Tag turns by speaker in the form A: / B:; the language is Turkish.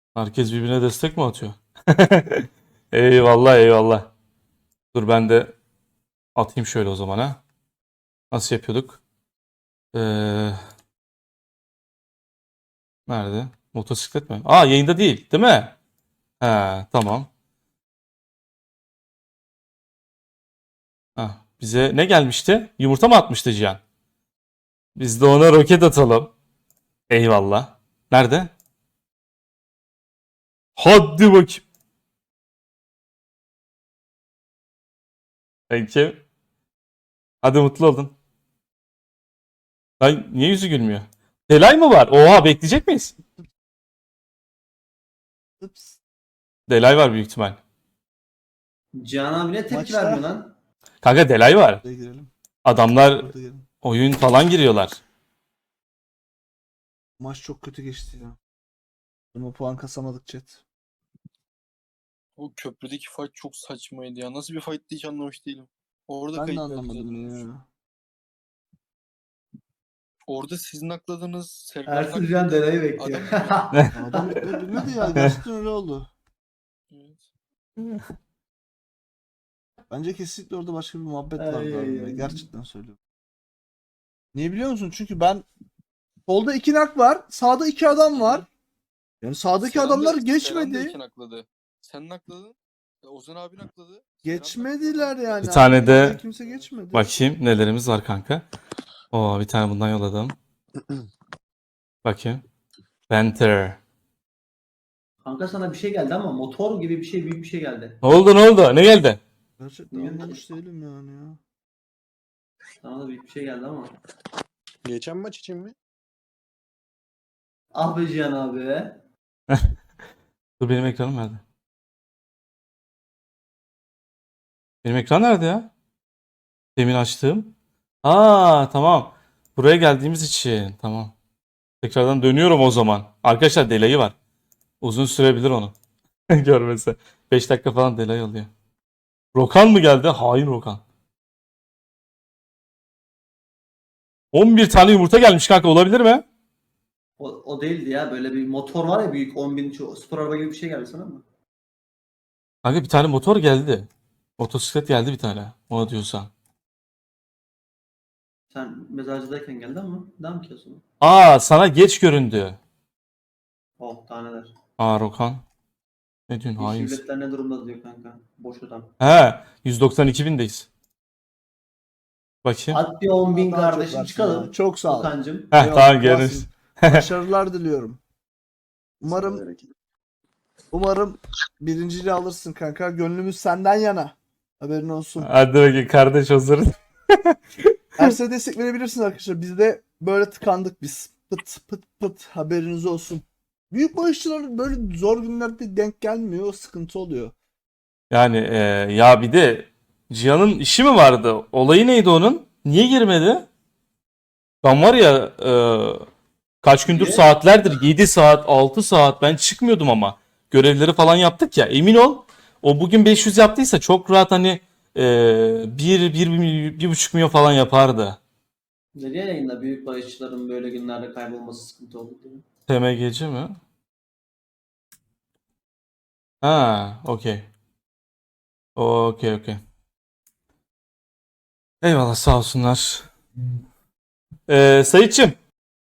A: Herkes birbirine destek mi atıyor? Eyvallah eyvallah. Dur ben de atayım şöyle o zaman ha. Nasıl yapıyorduk? Ee, nerede? Motosiklet mi? Aa yayında değil, değil mi? He tamam. Ha, bize ne gelmişti? Yumurta mı atmıştı Cihan? Biz de ona roket atalım. Eyvallah. Nerede? Hadi bakayım. Peki. Hadi mutlu oldun. Ay, niye yüzü gülmüyor? Delay mı var? Oha bekleyecek miyiz?
B: Ups.
A: Delay var büyük ihtimal.
C: Cihan abi ne tepki
B: Maçta-
C: vermiyor lan?
A: Kanka delay var.
B: Buraya girelim.
A: Adamlar
B: Burada girelim.
A: oyun falan giriyorlar.
B: Maç çok kötü geçti ya. Ama puan kasamadık chat.
D: O köprüdeki fight çok saçmaydı ya. Nasıl bir fight'tı hiç anlamış değilim. Orada
B: Ben de
D: kayıp verdi
B: anlamadım
D: zaten.
B: ya.
D: Orada sizin akladığınız Serkan'ın
C: Ersin Cihan
D: akladığı
C: deneyi bekliyor.
D: adam
B: Adam bilmedi ya. Gerçekten öyle oldu.
D: Evet.
B: Bence kesinlikle orada başka bir muhabbet
C: Ay,
B: vardı
C: ay,
B: aramda.
C: ay.
B: Gerçekten söylüyorum. Niye biliyor musun? Çünkü ben solda 2 nak var. Sağda 2 adam var. Yani sağdaki
D: Serhan da-
B: adamlar
D: Serhan da
B: geçmedi.
D: iki nakladı. Sen nakladın. Ozan abi nakladı.
B: Geçmediler yani.
A: Bir tane de-
B: Arkamızdan kimse geçmedi.
A: Bakayım nelerimiz var kanka. Oo bir tane bundan yolladım. Bakayım. Panther.
C: Kanka sana bir şey geldi ama motor gibi bir şey, büyük bir şey geldi.
A: Ne oldu ne oldu? Ne geldi?
B: Gerçekten anlamış değilim yani ya.
C: Sana da büyük bir şey geldi ama.
D: Geçen maç için mi?
C: Ah be Cihan abi be.
A: Dur benim ekranım nerede? Benim ekran nerede ya? Demin açtım. Aa tamam. Buraya geldiğimiz için. Tamam. Tekrardan dönüyorum o zaman. Arkadaşlar delay'i var. Uzun sürebilir onu. Görmese. 5 dakika falan delay alıyor. Rokan mı geldi? Hain Rokan. 11 tane yumurta gelmiş kanka olabilir mi?
C: O değildi ya. Böyle bir motor var ya büyük 10.000 spor araba gibi bir şey geldi sana mı?
A: Kanka bir tane motor geldi. Motosiklet geldi bir tane. Ona diyorsan.
C: Sen mezarcıdayken geldi ama. Devam ki o zaman.
A: Aa sana geç göründü.
C: Oh taneler.
A: Aa Rokan. Ne diyorsun
C: Yeşil
A: hain.
C: biletler ne durumda diyor kanka. Boş adam.
A: He 192 bindeyiz. Bakayım.
C: At bir 10.000
B: Daha çok
C: kardeşim
B: versin
C: çıkalım.
B: ya. Çok sağ ol.
C: Okan'cım.
A: Heh
B: Eyvallah,
A: tamam
B: kralsın.
A: görürüz.
B: Başarılar diliyorum. Umarım birinciliği alırsın kanka. Gönlümüz senden yana. Haberin olsun.
A: Hadi bakayım kardeş hazır.
B: Erse destek verebilirsiniz arkadaşlar. Biz de böyle tıkandık biz. Pıt pıt pıt haberiniz olsun. Büyük bağışçılar böyle zor günlerde denk gelmiyor. O sıkıntı oluyor.
A: Yani ya bir de Cihan'ın işi mi vardı? Olayı neydi onun? Niye girmedi? Ben var ya kaç gündür
C: Niye?
A: saatlerdir 7 saat 6 saat ben çıkmıyordum ama görevleri falan yaptık ya emin ol o bugün 500 yaptıysa çok rahat hani 1,5 milyon falan yapardı.
C: Nereye yayında büyük bağışçıların böyle günlerde kaybolması sıkıntı oldu diye.
A: TMGC mi? Ha, okey. Okey okey. Eyvallah sağ olsunlar. Sayitçim